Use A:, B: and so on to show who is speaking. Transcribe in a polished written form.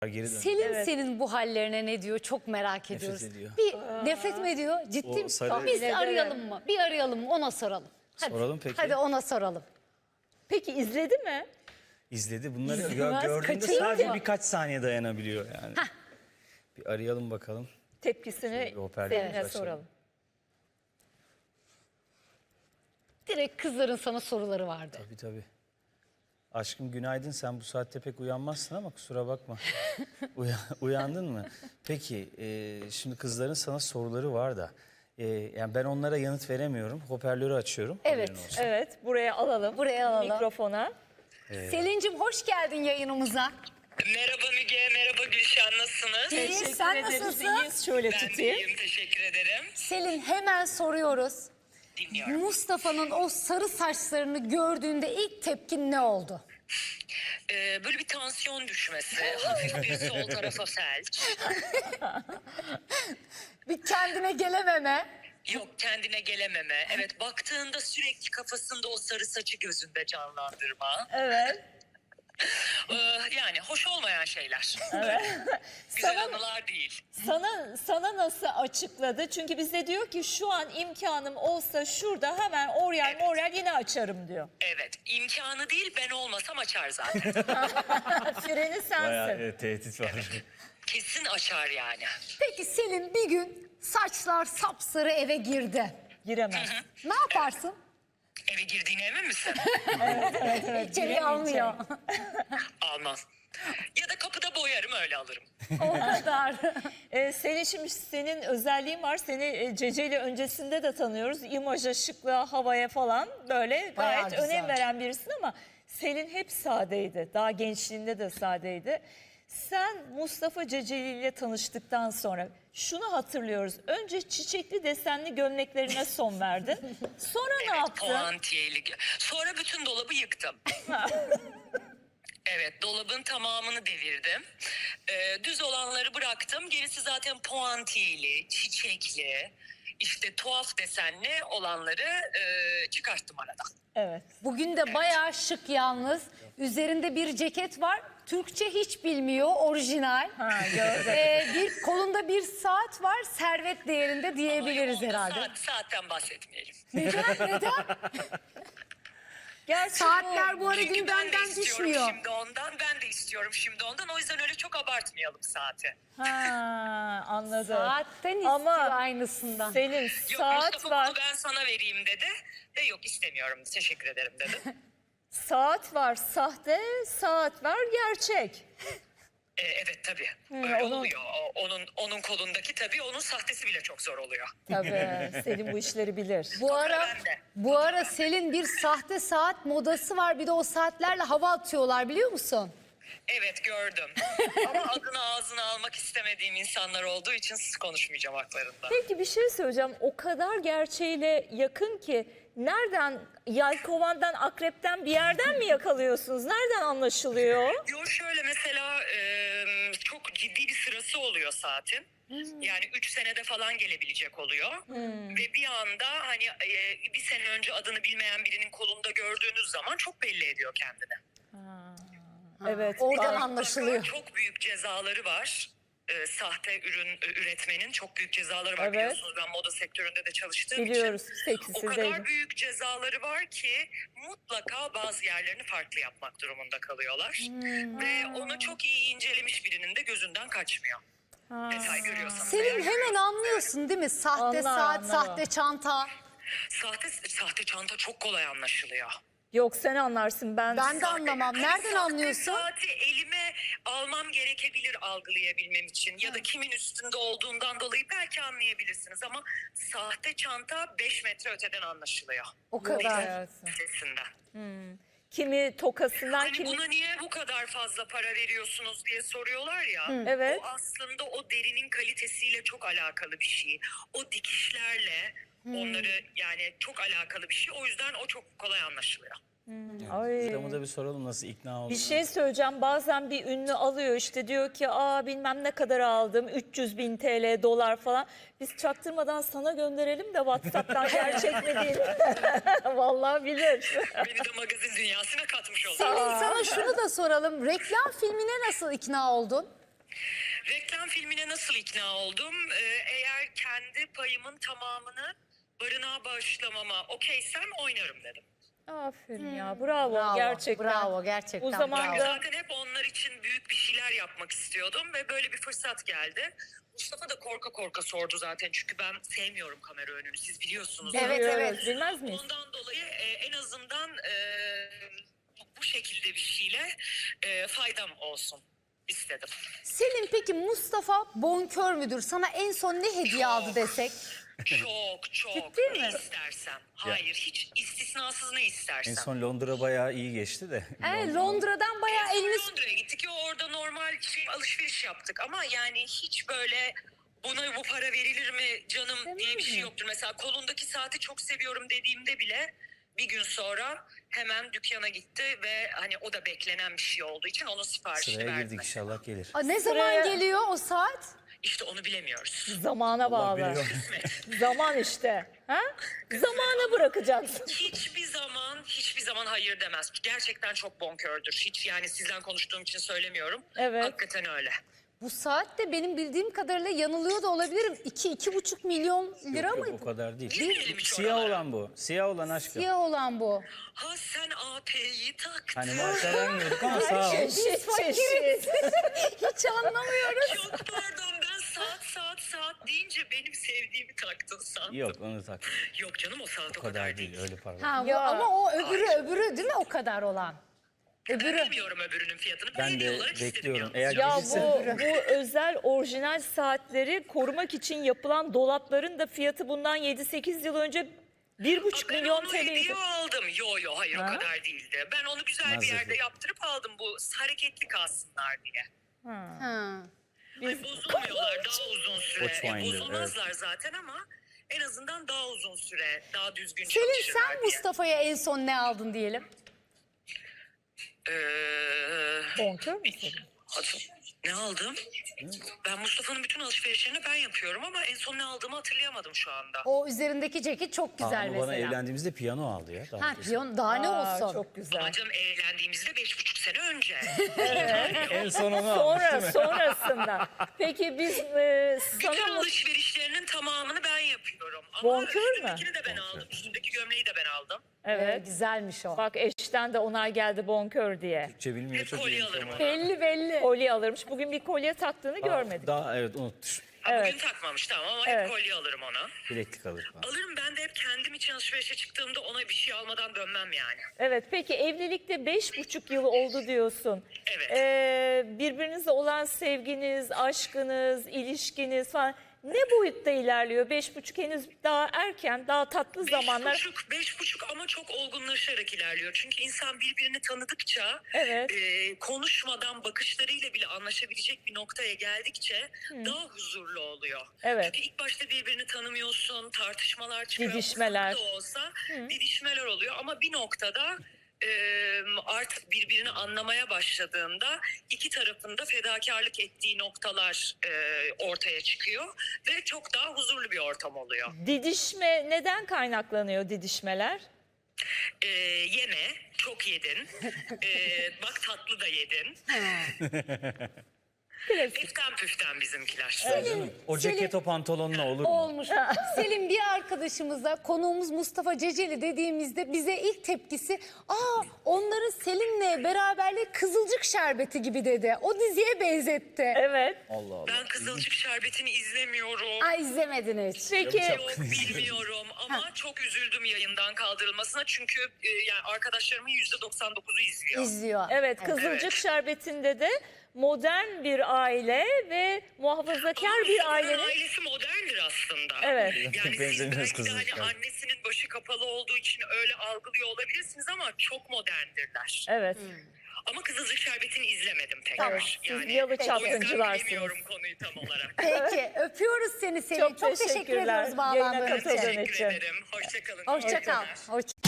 A: Geri dön.
B: Selin senin bu hallerine ne diyor çok merak ediyoruz.
A: ediyor.
B: Bir nefret mi ediyor? Ciddi
A: O
B: mi?
A: sarı-
B: Biz arayalım mı? Bir arayalım mı? Ona soralım. Hadi.
A: Soralım peki.
B: Hadi ona soralım.
C: Peki izledi mi?
A: İzledi. Bunları
B: İzlemez,
A: gördüğünde
B: kaçırır
A: sadece
B: mı?
A: birkaç saniye dayanabiliyor yani. Bir arayalım bakalım.
C: Tepkisini
A: Bir hoparlör
C: Selin'e
A: açalım.
C: soralım.
B: Direkt kızların sana soruları vardı.
A: Tabii. Aşkım günaydın. Sen bu saatte pek uyanmazsın ama kusura bakma. Uyandın mı? Peki şimdi kızların sana soruları var da. Yani ben onlara yanıt veremiyorum. Hoparlörü açıyorum.
B: Evet.
A: Haberin olsun.
C: Evet, buraya alalım.
B: Buraya alalım.
C: Mikrofona.
B: Selin'cim hoş geldin yayınımıza.
D: Merhaba Müge, merhaba Gülşen, nasılsınız?
B: İyi, sen
C: ederiz.
B: nasılsın?
C: İyiyiz. Şöyle
D: Ben de
C: tutayım.
D: iyiyim, teşekkür ederim.
B: Selin hemen soruyoruz.
D: Dinliyorum.
B: Mustafa'nın o sarı saçlarını gördüğünde ilk tepkin ne oldu?
D: Böyle bir tansiyon düşmesi, hafif bir sol tarafa felç.
B: Bir kendine gelememe.
D: Yok kendine gelememe. Evet baktığında sürekli kafasında o sarı saçı gözünde canlandırma.
C: Evet.
D: Yani hoş olmayan şeyler. Güzel anılar değil.
C: Sana nasıl açıkladı? Çünkü bize diyor ki şu an imkanım olsa şurada hemen Oryal yine açarım diyor.
D: Evet imkanı değil ben olmasam açar zaten.
C: Freni sensin.
A: Bayağı tehdit var.
D: Kesin açar yani.
B: Peki Selin bir gün saçlar sapsarı eve girdi.
C: Giremez.
B: Ne yaparsın?
D: Eve girdiğine emin misin?
B: İçeri almıyor.
D: Almam. Ya da kapıda boyarım öyle alırım.
B: O kadar.
C: Senin şimdi senin özelliğin var. Seni Cece ile öncesinde de tanıyoruz. İmaja, şıklığa, havaya falan böyle
B: Bayağı
C: gayet
B: güzel.
C: önem veren birisin ama Selin hep sadeydi. Daha gençliğinde de sadeydi. Sen Mustafa Ceceli ile tanıştıktan sonra şunu hatırlıyoruz. Önce çiçekli desenli gömleklerine son verdin. Sonra ne yaptın?
D: Puantiyeli. Sonra bütün dolabı yıktım. Evet dolabın tamamını devirdim. Düz olanları bıraktım. Gerisi zaten puantiyeli, çiçekli, işte tuhaf desenli olanları çıkarttım aradan.
C: Evet.
B: Bugün de bayağı şık yalnız. Üzerinde bir ceket var. Türkçe hiç bilmiyor, orijinal. Bir kolunda bir saat var, servet değerinde diyebiliriz
D: Onda
B: herhalde.
D: Saatten bahsetmeyelim.
B: Neden?
C: Gerçi
B: Saatler bu ara
D: Çünkü ben de
B: gündemden
D: istiyorum
B: düşmüyor.
D: şimdi ondan, ben de istiyorum şimdi ondan. O yüzden öyle çok abartmayalım saati.
C: Anladım.
B: Saatten istiyor
C: Ama
B: aynısından.
C: Selin
D: Yok
C: saat
D: Mustafa
C: var.
D: bunu ben sana vereyim dedi. De yok istemiyorum teşekkür ederim dedi.
C: Saat var sahte, saat var gerçek.
D: Evet tabii. Öyle
C: onu-
D: oluyor. Onun kolundaki tabii onun sahtesi bile çok zor oluyor.
C: Tabii Selin bu işleri bilir.
B: Bu ara Selin bir sahte saat modası var. Bir de o saatlerle hava atıyorlar biliyor musun?
D: Evet gördüm. Ama adını ağzına almak istemediğim insanlar olduğu için konuşmayacağım haklarında.
C: Peki bir şey söyleyeceğim. O kadar gerçeğiyle yakın ki nereden yelkovandan, akrepten bir yerden mi yakalıyorsunuz? Nereden anlaşılıyor?
D: Yo şöyle mesela çok ciddi bir sırası oluyor saatin. Yani 3 senede falan gelebilecek oluyor. Ve bir anda hani bir sene önce adını bilmeyen birinin kolunda gördüğünüz zaman çok belli ediyor kendini.
C: Evet.
B: Oradan
C: bak-
B: anlaşılıyor.
D: Çok büyük cezaları var. Sahte ürün üretmenin çok büyük cezaları var.
C: Evet.
D: Biliyorsunuz ben moda sektöründe de çalıştığım
C: Biliyoruz.
D: için.
C: Peki
D: O
C: siz
D: kadar
C: de.
D: büyük cezaları var ki mutlaka bazı yerlerini farklı yapmak durumunda kalıyorlar. Ve onu çok iyi incelemiş birinin de gözünden kaçmıyor. Detay görüyorsanız.
B: Selin
D: eğer
B: hemen
D: görüyorsanız.
B: anlıyorsun değil mi? Sahte
C: Anlar,
B: saat,
C: anlar.
B: sahte çanta.
D: Sahte çanta çok kolay anlaşılıyor.
C: Yok sen anlarsın ben.
B: Ben de anlamam.
D: Hani
B: Nereden
D: sahte
B: anlıyorsun?
D: saati elime almam gerekebilir algılayabilmem için. Ya da kimin üstünde olduğundan dolayı belki anlayabilirsiniz. Ama sahte çanta 5 metre öteden anlaşılıyor.
B: O kadar.
C: Hayatım.
D: Sesinden.
C: Kimi tokasından
D: Hani
C: kimi...
D: buna niye bu kadar fazla para veriyorsunuz diye soruyorlar ya.
C: Evet.
D: O aslında o derinin kalitesiyle çok alakalı bir şey. O dikişlerle onları yani çok alakalı bir şey. O yüzden o çok kolay anlaşılıyor.
C: Ay.
A: Adamı da bir soralım nasıl ikna oldu.
C: Bir şey söyleyeceğim. Bazen bir ünlü alıyor işte diyor ki bilmem ne kadar aldım 300.000 TL dolar falan. Biz çaktırmadan sana gönderelim de WhatsApp'tan gerçek mi değil mi? Vallahi bilir.
D: Beni de magazin dünyasına katmış oldu.
B: Selin sana şunu da soralım. Reklam filmine nasıl ikna oldun?
D: Reklam filmine nasıl ikna oldum? Eğer kendi payımın tamamını barınağa bağışlamama okeysem oynarım dedim.
C: Aferin ya, bravo,
B: Bravo,
C: gerçekten.
B: bravo, gerçekten.
C: O zaman
B: bravo.
C: da
D: Zaten hep onlar için büyük bir şeyler yapmak istiyordum ve böyle bir fırsat geldi. Mustafa da korka korka sordu zaten çünkü ben sevmiyorum kamera önünü, siz biliyorsunuz.
B: Evet,
C: biliyoruz,
B: evet.
C: bilmez miyiz?
D: Ondan dolayı en azından bu şekilde bir şeyle faydam olsun istedim.
B: Selin, peki Mustafa bonkör müdür? Sana en son ne hediye aldı desek?
D: Çok
B: Ciddi
D: ne
B: mi?
D: istersem. Hayır, hiç istisnasız ne istersem.
A: En son Londra bayağı iyi geçti de.
B: Londra'dan bayağı
D: En son
B: eliniz...
D: Londra'ya gittik ya, orada normal alışveriş yaptık ama yani hiç böyle buna bu para verilir mi canım diye bir şey yoktur. Mesela kolundaki saati çok seviyorum dediğimde bile bir gün sonra hemen dükkana gitti ve hani o da beklenen bir şey olduğu için onun siparişini
A: Sıraya
D: verdi
A: girdik,
D: mesela.
A: inşallah gelir.
B: Ne zaman
C: Sıraya-
B: geliyor o saat?
D: İşte onu bilemiyoruz.
C: zamana
A: Allah
C: bağlı.
A: biliyor.
C: Zaman işte. Ha? Zamana bırakacaksın.
D: Hiçbir zaman hayır demez. Gerçekten çok bonkördür. Hiç yani sizden konuştuğum için söylemiyorum.
C: Evet.
D: Hakikaten öyle.
B: Bu saat de benim bildiğim kadarıyla yanılıyor da olabilirim. 2-2,5 milyon lira
A: Yok,
B: mı?
A: yok, o kadar değil.
D: Girmeyelim hiç
A: Siyah
D: oralara.
A: olan bu. Siyah olan aşkım.
B: Siyah olan bu.
D: Ha sen AP'yi taktın.
A: Hani maaşlar vermiyorduk ama sağ ol.
C: Çeşit çeşit.
B: Hiç anlamıyoruz.
D: Çok pardon, ben saat deyince benim sevdiğimi taktın sandım.
A: Yok, onu tak.
D: Yok canım, o saat
A: O kadar değil, öyle parlak.
B: Ha, bu,
C: Ya.
B: ama o öbürü değil mi o kadar olan?
D: Ben
B: Öbürü.
D: bilmiyorum öbürünün fiyatını.
A: Ben
D: Hediye
A: de
D: olarak istedim
A: bekliyorum.
D: yalnız.
A: Eğer
C: Ya
A: gelirse...
C: bu özel orijinal saatleri korumak için yapılan dolapların da fiyatı bundan 7-8 yıl önce 1,5
D: Ben
C: milyon
D: onu
C: TL'ydi.
D: hediye aldım. Yo hayır,
C: Ha?
D: o kadar değildi. Ben onu güzel bir
A: Nazlı.
D: yerde yaptırıp aldım, bu hareketli kalsınlar diye.
B: Ha.
D: Hani bozulmuyorlar daha uzun süre.
A: Watchfinder,
D: Bozulmazlar zaten ama en azından daha uzun süre, daha düzgün
B: Selin,
D: çalışırlar
B: sen
D: diye.
B: Mustafa'ya en son ne aldın diyelim?
C: Bonkör müsün?
D: Ne aldım? Ben Mustafa'nın bütün alışverişlerini ben yapıyorum ama en son ne aldığımı hatırlayamadım şu anda.
B: O üzerindeki ceket çok güzel
A: Ama bana
B: mesela.
A: evlendiğimizde piyano aldı ya. Daha
B: Ha,
A: öncesi.
B: piyon daha ne olsun?
C: Çok güzel.
D: Ama canım, evlendiğimizde 5,5 sene önce.
A: En son onu aldı.
C: Sonrasında. Peki biz
D: Bütün
C: sana
D: alışverişlerinin tamamını ben yapıyorum. Ama
C: Bonkör mü?
D: üstündekini de ben aldım. Üstündeki gömleği de ben aldım.
C: evet.
B: Güzelmiş o.
C: Bak eşten de onay geldi bonkör diye.
A: Türkçe bilmiyor, çok
D: Kolye
A: iyi.
D: alırım ona.
B: Belli.
C: Kolye alırmış. Bugün bir kolye taktığını görmedik.
A: Daha evet, unutmuş.
D: Ha,
C: Evet.
D: bugün takmamış tamam ama
C: Evet.
D: hep kolye alırım ona.
A: Bileklik alır falan.
D: Alırım, ben de hep kendim için alışverişe çıktığımda ona bir şey almadan dönmem yani.
C: Evet, peki evlilikte 5,5 yıl oldu diyorsun.
D: Evet.
C: Birbirinizle olan sevginiz, aşkınız, ilişkiniz falan ne boyutta ilerliyor? 5,5 henüz daha erken, daha tatlı zamanlar.
D: 5,5 ama çok olgunlaşarak ilerliyor. Çünkü insan birbirini tanıdıkça,
C: Evet.
D: konuşmadan bakışlarıyla bile anlaşabilecek bir noktaya geldikçe daha huzurlu oluyor.
C: Evet.
D: Çünkü ilk başta birbirini tanımıyorsun, tartışmalar çıkıyor.
C: Didişmeler.
D: Ufak da olsa didişmeler oluyor ama bir noktada artık birbirini anlamaya başladığında iki tarafın da fedakarlık ettiği noktalar ortaya çıkıyor ve çok daha huzurlu bir ortam oluyor.
C: Didişme neden kaynaklanıyor didişmeler?
D: Yeme, çok yedin. Bak tatlı da yedin. Püften püften bizimkiler.
A: O ceket o pantolonla olur mu?
B: Olmuş. Selim, bir arkadaşımıza konuğumuz Mustafa Ceceli dediğimizde bize ilk tepkisi onların Selin'le beraberliği Kızılcık Şerbeti gibi dedi. O diziye benzetti.
C: Evet.
A: Allah Allah.
D: Ben Kızılcık Şerbeti'ni izlemiyorum.
B: Ay, izlemedin hiç.
C: Peki
D: Yok, bilmiyorum ama çok üzüldüm yayından kaldırılmasına çünkü yani arkadaşlarımın %99'u izliyor.
B: İzliyor.
C: evet, Kızılcık Şerbeti'nde de modern bir aile ve muhafazakar bir
D: Muhtemelen
C: ailenin
D: ailesi moderndir aslında.
C: Evet.
D: Yani siz
A: Benzemiyoruz
D: belki de
A: Kızılcık
D: hani
A: Şerbeti.
D: annesinin başı kapalı olduğu için öyle algılıyor olabilirsiniz ama çok moderndirler.
C: evet.
D: Ama Kızılcık Şerbeti'ni izlemedim tekrar.
B: Tamam,
C: siz yalı
D: O yüzden
C: çapkıncılarsınız.
D: bilemiyorum konuyu tam olarak.
B: Peki, öpüyoruz seni Selin.
C: Çok
B: Çok teşekkür
C: teşekkürler
B: ediyoruz
C: yayına
B: bağlandığın
C: katıldığın
B: için.
C: için.
D: Teşekkür ederim. Hoşça kalın.
B: Hoşça kal.
D: Teşekkürler.
B: Hoşça